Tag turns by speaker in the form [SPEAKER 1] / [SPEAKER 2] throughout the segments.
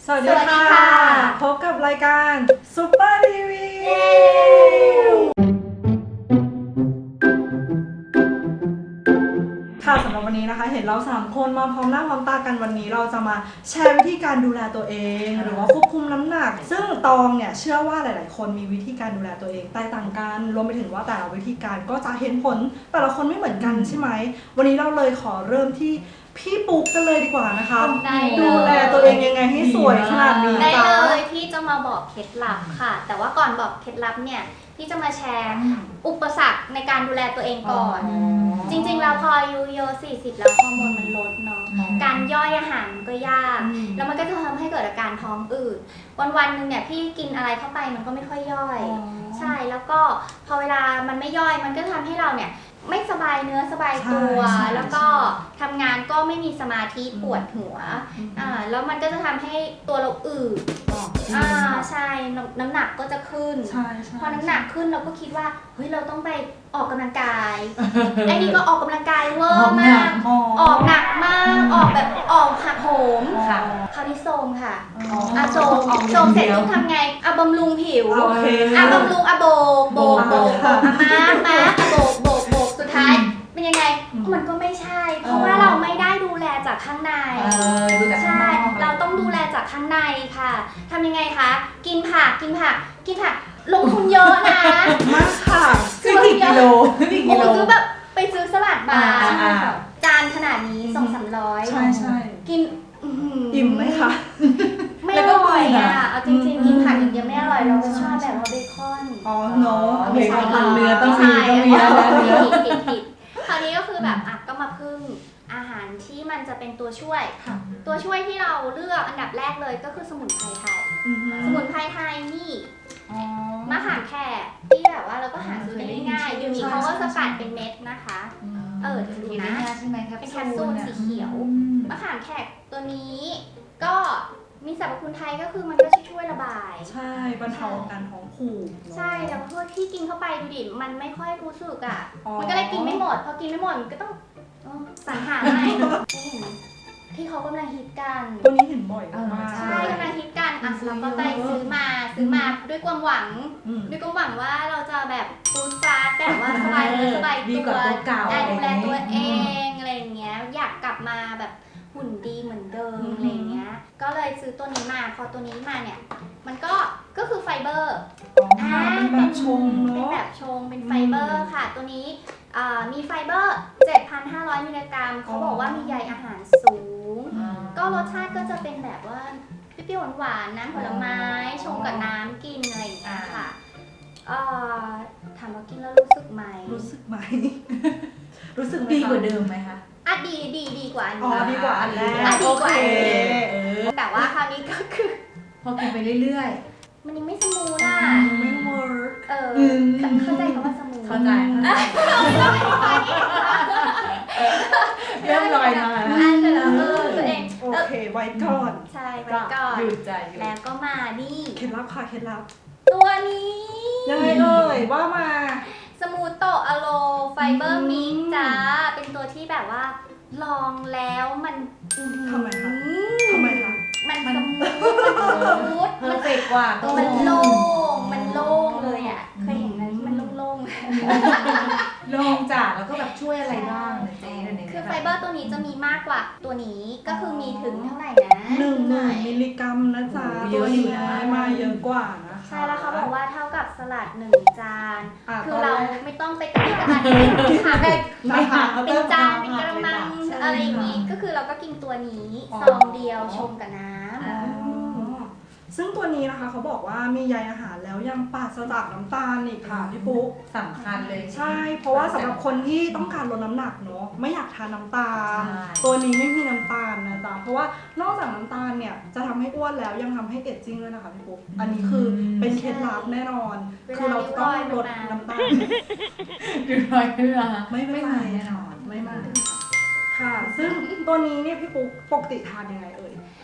[SPEAKER 1] สวัสดีค่ะพบกับรายการซุปเปอร์รีวิวค่ะสำหรับวันนี้นะคะเห็นเรา3คนมาพร้อมหน้าพร้อมตากันวันนี้เราจะมาแชร์วิธีการดูแลตัวเองหรือว่าควบคุมน้ำหนักซึ่งตองเนี่ยเชื่อว่าหลายๆคนมีวิธีการดูแลตัวเองแตกต่างกันรวมไปถึงว่าแต่ละวิธีการก็จะเห็นผลแต่ละคนไม่เหมือนกันใช่ไหมวันนี้เราเลยขอเริ่มที่พี่ปุ๊กกันเลยดีกว่านะคะดูแลตัวเองยังไงให้สวยขนาดนี้
[SPEAKER 2] ได้
[SPEAKER 1] จ้า
[SPEAKER 2] เลยที่จะมาบอกเคล็ดลับค่ะ แต่ว่าก่อนบอกเคล็ดลับเนี่ยพี่จะมาแชร์อุปสรรคในการดูแลตัวเองก่อน จริงๆแล้วพออายุเยอะ40แล้วฮอร์โมนมันลดเนาะการย่อยอาหารมันก็ยากแล้วมันก็จะทำให้เกิดอาการท้องอืดวันๆนึงเนี่ยพี่กินอะไรเข้าไปมันก็ไม่ค่อยย่อยใช่แล้วก็พอเวลามันไม่ย่อยมันก็ทำให้เราเนี่ยไม่สบายเนื้อสบายตัวแล้วก็ทำงานก็ไม่มีสมาธิปวดหัวแล้วมันก็จะทำให้ตัวเราอืดใช่น้ำหนักก็จะขึ้นพอน้ำหนักขึ้นเราก็คิดว่าเฮ้ยเราต้องไปออกกำลังกายไอ้นี่ก็ออกกำลังกายเวอร์มากออกหนักมากออกแบบออกหักโหมคราวนี้โซมค่ะโซมเสร็จต้องทำไงบำรุงผิวบำรุงโบกมาโบกสุดท้ายเป็นยังไงมันก็ไม่ใช่เพราะว่าเราไม่ได้ดูแลจากข้างในใช่เราต้องดูแลจากข้างในค่ะทำยังไงคะกินผักลงทุนเยอะนะ
[SPEAKER 1] มากค่ะ
[SPEAKER 2] คือกี่กิโลคือแบบไปซื้อสลัดบาร์จานขนาดนี้200-300
[SPEAKER 1] ใช่
[SPEAKER 2] กิน
[SPEAKER 1] อิ่มไหมคะ
[SPEAKER 2] ไม่อร่อยอ่ะเอาจริงๆกินผักอย่างเดียวไม่อร่อยเราชอบแบบว่าเบคอน
[SPEAKER 1] เนาะ
[SPEAKER 2] ไม่ใช่
[SPEAKER 1] เนื้อต้องมี
[SPEAKER 2] ผิดคราวนี้ก็คือแบบก็มาพึ่งอาหารที่มันจะเป็นตัวช่วยที่เราเลือกอันดับแรกเลยก็คือสมุนไพรไทยสมุนไพรไทยนี่มะขามแขกที่แบบว่าเราก็หาซื้อได้ง่ายๆอยู่นี้เขาก็สกัดเป็นเม็ดนะคะดูนะเป็นแคปซูลสีเขียวมะขามแขกตัวนี้ก็มีสรรพคุณไทยก็คือมันก็ช่วยระบาย
[SPEAKER 1] ใช่บรรเทาอาการท้องผูก
[SPEAKER 2] ใช่แล้วพวกที่กินเข้าไปดูดิมันไม่ค่อยรู้สึกอ่ะมันก็เลยกินไม่หมดพอกินไม่หมดมันก็ต้องสรรหาใหม่ที่เขากำลังฮิตกัน
[SPEAKER 1] ตัวนี้เห็นบ่อยมาก
[SPEAKER 2] ใช่กำลังฮิตกันเราก็ไปซื้อมาด้วยความหวังว่าเราจะแบบฟูดฟาสแบบว่าสบายตัวได้ดูแลตัวเองอะไรอย่างเงี้ยอยากกลับมาแบบหุ่นดีเหมือนเดิมอะไรเงี้ยก็เลยซื้อตัวนี้มาพอตัวนี้มาเนี่ยมันก็คือไฟเบอร์
[SPEAKER 1] เป็นแบบชงเนาะ
[SPEAKER 2] เป็นแบบชงเป็นไฟเบอร์ค่ะตัวนี้มีไฟเบอร์ 7,500 มิลลิกรัมเขาบอกว่ามีใยอาหารสูงก็รสชาติก็จะเป็นแบบว่าเปรี้ยวหวานๆน้ำผลไม้ชงกับน้ำกินอะไรอย่างเงี้ยค่ะถามว่ากินแล้วรู้สึกไหม
[SPEAKER 1] รู้สึก
[SPEAKER 3] ดีกว่าเดิมไหมคะ
[SPEAKER 2] ดีกว่าอันนี้
[SPEAKER 1] ดีกว่าอันแรก
[SPEAKER 2] ดีกว่าแต่ว่าคราวนี้ก็คือ
[SPEAKER 3] พอกินไปเรื่อย
[SPEAKER 2] ๆมันยังไม่สมูทอ่ะ
[SPEAKER 1] ไม่เวิร์ก
[SPEAKER 2] เข้าใจคำว่าสมูท
[SPEAKER 3] เข้าใจเริ่มลอยมา
[SPEAKER 2] แล้วตัวเอง
[SPEAKER 1] โอเคไว้ก่อน
[SPEAKER 2] ใช่ไว้ก่อน
[SPEAKER 3] หยุดใจ
[SPEAKER 2] แล้วก็มานี่
[SPEAKER 1] เคล็ดลับค่ะเคล็ดลับ
[SPEAKER 2] ตัวนี้
[SPEAKER 1] ยังไงเอ่ยว่ามา
[SPEAKER 2] สมูทโตอะโลไฟเบอร์มิกจ้าเป็นตัวที่แบบว่าลองแล้วมัน
[SPEAKER 1] ทำไมคะ
[SPEAKER 2] มันสมูท
[SPEAKER 3] มันเฟกกว่า
[SPEAKER 2] มันโล่งเลยอ่ะเคยเห็นไหมมันโล่ง
[SPEAKER 3] จ้ะแล้วก็แบบช่วยอะไรบ้าง
[SPEAKER 2] คือไฟเบอร์ตัวนี้จะมีมากกว่าตัวนี้ก็คือมีถึงเท่าไหร่นะ
[SPEAKER 1] 1,000 มิลลิกรัมนะจ๊ะตัวนี้มาเยอะกว่านะ
[SPEAKER 2] ใช่แล้วเขาบอกว่าเท่ากับสลัด1 จานคือเราไม่ต้องไปกระดาษเป็นจานเป็นกระมังอะไรอย่างนี้ก็คือเราก็กินตัวนี้ซองเดียวชงกับน้ำ
[SPEAKER 1] ซึ่งตัวนี้นะคะเขาบอกว่ามีใยอาหารแล้วยังปราศจากน้ำตาลอีกค่ะพี่ปุ๊ก
[SPEAKER 3] สำคัญเลย
[SPEAKER 1] ใช่เพราะว่าสำหรับคนที่ต้องการลดน้ำหนักเนาะไม่อยากทานน้ำตาลตัวนี้ไม่มีน้ำตาลนะจ๊ะเพราะว่านอกจากน้ำตาลเนี่ยจะทำให้อ้วนแล้วยังทำให้เอจจิ้งด้วยนะคะพี่ปุ๊กอันนี้คือเป็นเคล็ดลับแน่นอนคือเราต้องลดน้ำตาล
[SPEAKER 3] ดูรอยเลือด
[SPEAKER 1] ไม่มาแน่นอนไม่มาค่ะซึ่งตัวนี้เนี่ยพี่ปุ๊กปกติทานยังไงเอ่ย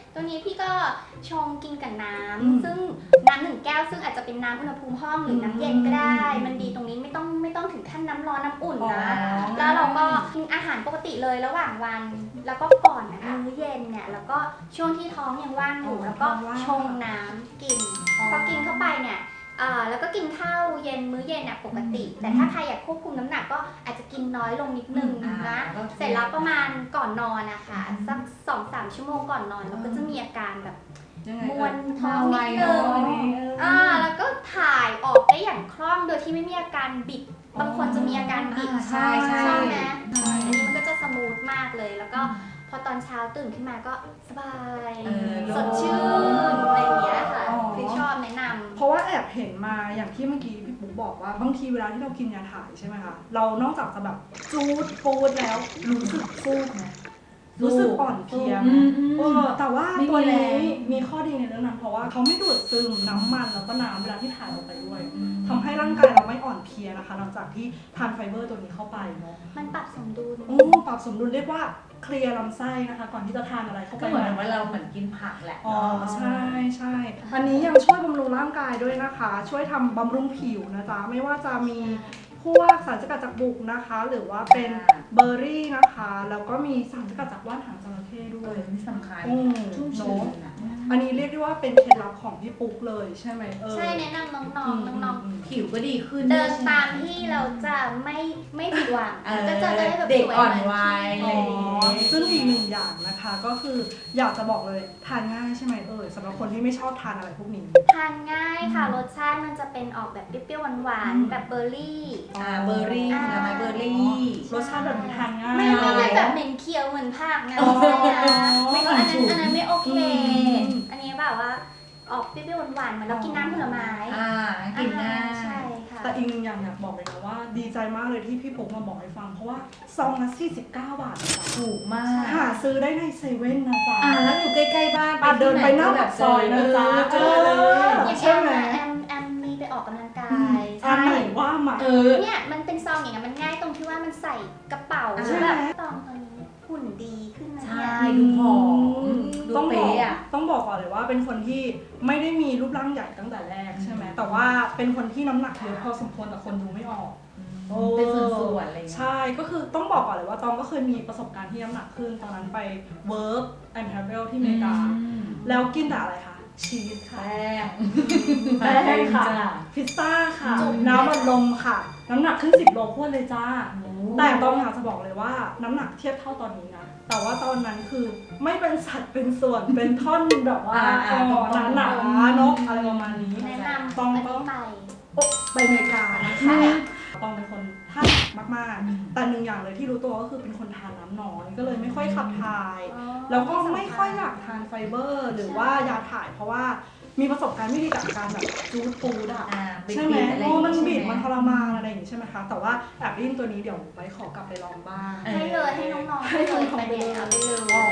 [SPEAKER 2] ตัวนี้พี่ก็ชงกินกับน้
[SPEAKER 1] อืม
[SPEAKER 2] ำซึ่งน้ำ1 แก้วซึ่งอาจจะเป็นน้ำอุณหภูมิห้องหรือน้ำเย็นก็ได้ มันดีตรงนี้ไม่ต้องถึงขั้นน้ำร้อนน้ำอุ่นนะ แล้วเราก็กินอาหารปกติเลยระหว่างวัน แล้วก็ก่อนมื้อเย็นเนี่ยแล้วก็ช่วงที่ท้องยังว่างอยู่แล้วก็ชงน้ำกินพอกินเข้าไปเนี่ยแล้วก็กินข้าวเย็นมื้อเย็นปกติ แต่ถ้าใครอยากควบคุมน้ำหนักก็อาจจะกินน้อยลงนิดนึงนะเสร็จแล้วประมาณก่อนนอนนะคะสัก 2-3 ชั่วโมงก่อนนอนเราก็จะมีอาการแบบ
[SPEAKER 1] ยังไง
[SPEAKER 2] มวนท้องนิดนึง
[SPEAKER 1] อ๋อ
[SPEAKER 2] แล้วก็ถ่ายออกได้อย่างคล่องโดยที่ไม่มีอาการบิดบางคนจะมีอาการบิด
[SPEAKER 3] ใช่ใช่
[SPEAKER 2] ใช่ไหมอันนี้มันก็จะสมูทมากเลยแล้วก็พอตอนเช้าตื่นขึ้นมาก็สบายสดชื่นอะไรอย่างเงี้ยค่ะคือชอบแนะนำ
[SPEAKER 1] เพราะว่าแอบเห็นมาอย่างที่เมื่อกี้พี่ปุ๊กบอกว่าบางทีเวลาที่เรากินยาถ่ายใช่ไหมคะเรานอกจากจะแบบจูดปูดแล้วรู้สึกฟูกไหมรู้สึกอ่อนเพลียไหมแต่ว่าตัวนี้มีข้อดีในเรื่องนั้นเพราะว่าเขาไม่ดูดซึมน้ำมันแล้วก็น้ำเวลาที่ถ่ายออกไปด้วยทำให้ร่างกายเราไม่อ่อนเพลียนะคะหลังจากที่ทานไฟเบอร์ตัวนี้เข้าไปเนาะ
[SPEAKER 2] มันปรับสมดุล
[SPEAKER 1] ปรับสมดุลเรียกว่าเคลียร์ลำไส้นะคะก่อนที่จะทานอะไรเข้าไป
[SPEAKER 3] ก็เหมือนว่าเราเหมือนกินผักแหละ
[SPEAKER 1] อ๋อใช่ใช่อันนี้ยังช่วยบำรุงร่างกายด้วยนะคะ ช่วยทำบำรุงผิวนะจ๊ะไม่ว่าจะมีพวกสารสกัดจากบุกนะคะ หรือว่าเป็นเบอร์รี่นะคะแล้วก็มีสารสกัดจากว่านหางจระเข้ด้วย
[SPEAKER 3] นี่สำคัญ
[SPEAKER 1] ชุ่ม
[SPEAKER 3] เน
[SPEAKER 1] ชื้น
[SPEAKER 3] อะ
[SPEAKER 1] อันนี้เรียกได้ว่าเป็นเคล็ดลับของพี่ปุ๊กเลยใช่ไหม
[SPEAKER 2] ใช่แนะนำน้องๆ
[SPEAKER 3] ผิวก็ดีขึ้น
[SPEAKER 2] เดินตามที่เราจะไม่ผิดหวังก็จะได้แบบ
[SPEAKER 3] เด็ก
[SPEAKER 2] สวย
[SPEAKER 3] อ่อน
[SPEAKER 2] เหมื
[SPEAKER 3] วัย
[SPEAKER 2] พี่
[SPEAKER 1] ซึ่งอีกหนึ่งอย่างนะคะก็คืออยากจะบอกเลยทานง่ายใช่ไหมสำหรับคนที่ไม่ชอบทานอะไรพวกนี้
[SPEAKER 2] ทานง่ายค่ะรสชาติมันจะเป็นออกแบบเปรี้ยวๆหวานๆแบบเบอร์รี่
[SPEAKER 3] เบอร์รี่ผลไม้เบอร์รี่
[SPEAKER 1] รสชาติแบบนี้ทานง่าย
[SPEAKER 2] ไม่ได้แบบเหม็นเคี้ยวเหมือนผักนะ
[SPEAKER 1] อ๋อ
[SPEAKER 2] ไม่อันนั้นไม่โอเค อันนี้แบบว่าออกเปรี้ยวๆหวานๆเหมือนเรากินน้ำผลไม้
[SPEAKER 3] กินง่าย
[SPEAKER 2] ใช่ค่ะ
[SPEAKER 1] แต่อีกหนึ่งอย่างอยากบอกเลยนะว่าดีใจมากเลยที่พี่ปุ๊กมาบอกให้ฟังเพราะว่าซองละ49 บาทนะจ๊ะ
[SPEAKER 3] ถูกมาก
[SPEAKER 1] หาซื้อได้ในเซเว่นนะจ๊ะ
[SPEAKER 3] แล้วอยู่ใกล้ๆบ้าน
[SPEAKER 1] เดินไปหน้าปากซอยนะจ๊ะ
[SPEAKER 3] เจอเลย
[SPEAKER 2] อย่าง
[SPEAKER 1] ใช่ไหม
[SPEAKER 2] แอมมีไปออกกำลังกาย
[SPEAKER 1] อันไหนว่ามา
[SPEAKER 2] เนี่ยมันเป็นซองอย่างเงี้ยมันง่ายตรงที่ว่ามันใส่กระเป๋า
[SPEAKER 1] ใช่ไหม
[SPEAKER 2] แบบตองตอนนี้หุ่นดีขึ้นนะ
[SPEAKER 3] ใช่
[SPEAKER 2] เนี่ย
[SPEAKER 3] ดูผอมดู
[SPEAKER 1] ต้องบอก
[SPEAKER 3] เป๊ะอ่ะ
[SPEAKER 1] ต้องบอกก่อนเลยว่าเป็นคนที่ไม่ได้มีรูปร่างใหญ่ตั้งแต่แรกใช่ไหมแต่ว่าเป็นคนที่น้ำหนักเยอะพอสมควรแต่คนดูไม่ออก
[SPEAKER 3] เป็นส่วนๆอะไรอย่างเงี้ย
[SPEAKER 1] ใช่ก็คือต้องบอกก่อนเลยว่าตองก็เคยมีประสบการณ์ที่น้ำหนักขึ้นตอนนั้นไป work and travel ที่อเมริกา แล้วกินแต่อะไรคะชีสค่ะ
[SPEAKER 3] แป้ง
[SPEAKER 1] แป้งค่ะ
[SPEAKER 3] จ้ะ
[SPEAKER 1] พิซซ่าค่ะ
[SPEAKER 3] จุ่ม
[SPEAKER 1] น้ำมันลมค่ะ น้ำหนักขึ้น10 โลพรวดเลยจ้า แต่ตองอยากจะบอกเลยว่าน้ำหนักเทียบเท่าตอนนี้นะ แต่ว่าตอนนั้นคือไม่เป็นสัดเป็นส่วน เป็นท่อนแบบว่าหนาๆเนกอะไรประมาณนี้
[SPEAKER 2] แนะนำ
[SPEAKER 1] ต้อง
[SPEAKER 2] อันนี้ไป
[SPEAKER 1] ไปอเมริกานะคะตองเป็นคนทานหนักมากๆ แต่หนึ่งอย่างเลยที่รู้ตัวก็คือเป็นคนทานน้ำน้อยก็เลยไม่ค่อยขับถ่าย แล้วก็ไม่ค่อยอยากทานไฟเบอร์ หรือว่ายาถ่ายเพราะว่ามีประสบการณ์ไม่ดีกับการแบบจูดฟูดอะใช่ไหมมันบีบมันทรมานอะไรอย่างงี้ใช่ไหมคะแต่ว่าแอบได้ยินตัวนี้เดี๋ยวไว้ขอกลับไปลองบ้าง
[SPEAKER 2] ให้เลยให้น้องๆให้เลยไปเนี่ยเอาไปเลย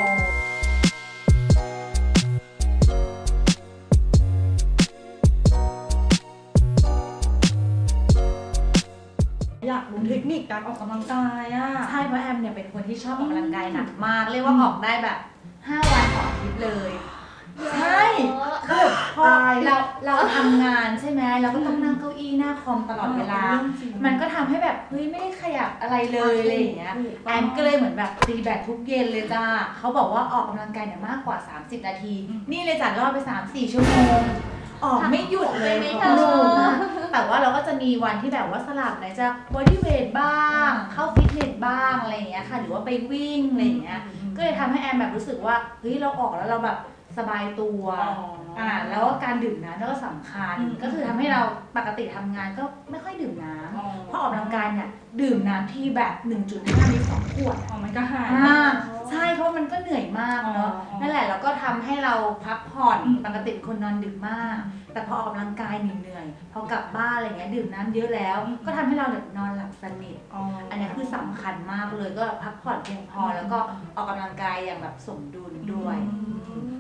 [SPEAKER 1] อยากรู้เทคนิคการออกกำลังกายอะ
[SPEAKER 3] ใช่เพราะแอมเนี่ยเป็นคนที่ชอบออกกำลังกายหนักมาก เรียกว่าออกได้แบบ 5 วันต่ออาทิตย์เลย ใช่คือพอเราทำงานใช่ไหมเราก็ต้องนั่งเก้าอี้หน้าคอมตลอดเวลา มันก็ทำให้แบบเฮ้ยไม่ได้ขยับอะไรเลยอะไรอย่างเงี้ยแอมก็เลยเหมือนแบบตีแบตทุกเย็นเลยจ้าเขาบอกว่าออกกำลังกายเนี่ยมากกว่า 30 นาที นี่เลยจัดรอบไป 3-4 ชั่วโมง ออกไม่หยุดเลย
[SPEAKER 2] ไม่
[SPEAKER 3] ค่ะ
[SPEAKER 2] เธอ
[SPEAKER 3] แต่ว่าเราก็จะมีวันที่แบบว่าสลับไหนจะบอดี้เวทบ้าง เข้าฟิตเนสบ้างอะไรอย่างเงี้ยค่ะหรือว่าไปวิ่งอะไรอย่างเงี้ยก็เลยทำให้แอมแบบรู้สึกว่าเฮ้ยเราออกแล้วเราแบบสบายตัวแล้วก็การดื่มน้ำก็สำคัญก็คือทำให้เราปกติทำงานก็ไม่ค่อยดื่มน้ำเพราะออกกำลังกายเนี่ยดื่มน้ำที่แบบ 1.5 ลิตร 2 ขวด
[SPEAKER 1] มันก็หาย
[SPEAKER 3] ใช่เพราะมันก็เหนื่อยมากเนาะนั่นแหละแล้วก็ทำให้เราพักผ่อนปกติเป็นคนนอนดึกมาก แต่พอออกกำลังกายเหนื่อยพอกลับบ้านอะไรเงี้ยดื่มน้ำเยอะแล้ว ก็ทำให้เราแบบนอนหลับสนิทอันนี้คือสำคัญมากเลยก็พักผ่อนเพียงพอแล้วก็ออกกำลังกายอย่างแบบสมดุลด้วย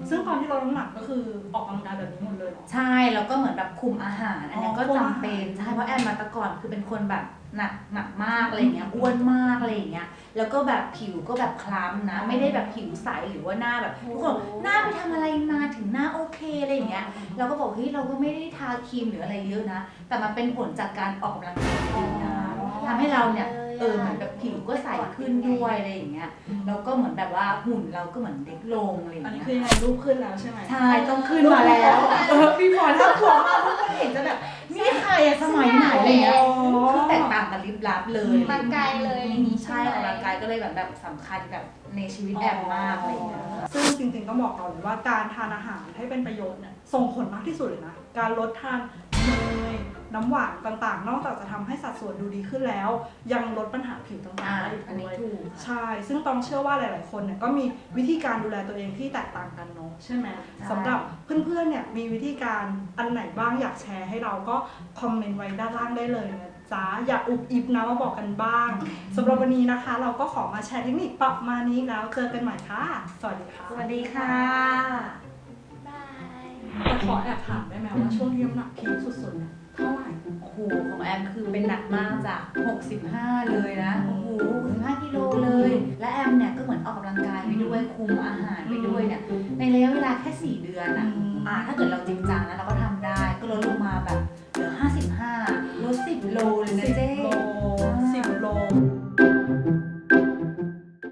[SPEAKER 1] ซึ่งตอนที่ลดน้ำหนักก็คือออกกำลังกายแบบนี้หมดเลยเหรอ
[SPEAKER 3] ใช่แล้วก็เหมือนแบบคุมอาหารอันนี้ก็จำเป็นใช่เพราะแอนมาแต่ก่อนคือเป็นคนแบบหนักมากอะไรเงี้ยอ้วนมากอะไรอย่างเงี้ยแล้วก็แบบผิวก็แบบคล้ำนะไม่ได้แบบผิวใสหรือว่าหน้าแบบทุกคนหน้าไปทำอะไรมาถึงหน้าโอเคอะไรอย่างเงี้ยเราก็บอกเฮ้ยเราก็ไม่ได้ทาครีมหรืออะไรเยอะนะแต่มันเป็นผลจากการออกกำลังกายจริงนะทำให้เราเนี่ยเหมือนแบบผิวก็ใสขึ้นด้วยอะไรอย่างเงี้ยแล้วก็เหมือนแบบว่าหุ่นเราก็เหมือนเด็กลงอะไรอย่าง
[SPEAKER 1] อันนี้
[SPEAKER 3] เงี้ย
[SPEAKER 1] คือยังไงรูปขึ้นแล้วใช่ไหม
[SPEAKER 3] ใช่ต้องขึ้นมาแล้วพี่พรถ้าขวบมากทุกคนเห็นจะแบบนี่ใครอะสมัยไหนอะไรเงี้ยคือแตกต่างกันลิบลับเลย
[SPEAKER 2] มาไกลเลยอย่างนี้
[SPEAKER 3] ใช่ออกกำลังกายก็เลยแบบสำคัญกับในชีวิตแอมมากอะไรเงี้ย
[SPEAKER 1] ซึ่งจริงๆต้องบอกก่อนเลยว่าการทานอาหารให้เป็นประโยชน์เนี่ยส่งผลมากที่สุดเลยนะ การลดทานเนยน้ำหวานต่างๆ นอกจากจะทำให้สัดส่วนดูดีขึ้นแล้ว ยังลดปัญหาผิวต่างๆได้อีก
[SPEAKER 3] อันนี้
[SPEAKER 1] ด้วย
[SPEAKER 3] ถูก
[SPEAKER 1] ใช่ ซึ่งต้องเชื่อว่าหลายๆคนเนี่ยก็มีวิธีการดูแลตัวเองที่แตกต่างกันเนาะใช่ไหมสำหรับเพื่อนๆเนี่ยมีวิธีการอันไหนบ้างอยากแชร์ให้เราก็คอมเมนต์ไว้ด้านล่างได้เลยนะจ๊ะอย่าอุบอิบนะมาบอกกันบ้างสำหรับวันนี้นะคะ เราก็ขอมาแชร์เทคนิคประมาณนี้แล้วเจอกันใหม่ค่ะ สวัสดีค่ะ
[SPEAKER 3] สวัสดีค่ะ
[SPEAKER 2] บาย
[SPEAKER 1] แต่ขอแอบถามได้ไหมว่าช่วงที่น้ำหนักพีคสุดๆเนี่ยเท่าไหร่
[SPEAKER 3] โอ้โหของแอมคือเป็นหนักมากจาก65เลยนะโอ้โห65กิโลเลย และแอมเนี่ยก็เหมือนออกกำลังกายไปด้วยคุมอาหารไปด้วยเนี่ยในระยะเวลาแค่4เดือนอะถ้าเกิดเราจริงจังนะเราก็ทำได้ก็ลดลงมาแบบเหลือ55ลด10 โลเลยนะเจ๊